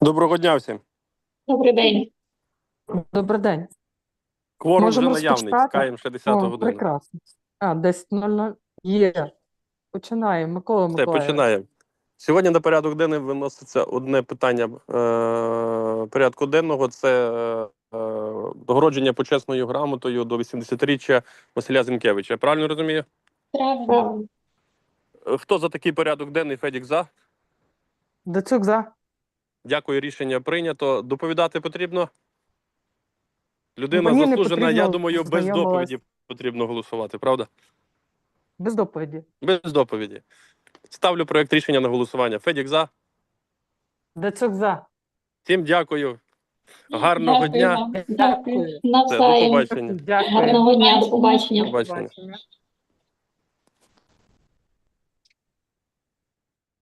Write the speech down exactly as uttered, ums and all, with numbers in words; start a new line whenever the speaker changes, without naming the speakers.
Доброго дня всім.
Добрий день.
Добрий день.
Кворум вже
Можемо
наявний,
розпочати?
чекаємо ще десяту
О,
годину.
прекрасно. А, десять нуль нуль. Є. Починаємо. Микола
Все,
Миколаївич.
починаємо. Сьогодні на порядок денний виноситься одне питання е, порядку денного. Це е, догородження почесною грамотою до вісімдесятиріччя Василя Зінкевича. Я правильно розумію?
Правильно.
Е, Хто за такий порядок денний? Федік за.
Дацюк за.
Дякую, рішення прийнято. Доповідати потрібно? Людина
Мені не
заслужена,
потрібно,
я думаю, без
знайомилась.
доповіді потрібно голосувати, правда?
Без доповіді.
Без доповіді. Ставлю проект рішення на голосування. Федік за.
Дацюк за.
Всім дякую. Гарного
Дякую
дня.
вам.
Дякую.
Все, до
Навзаєм.
побачення.
Дякую.
Гарного дня. До побачення.
До побачення.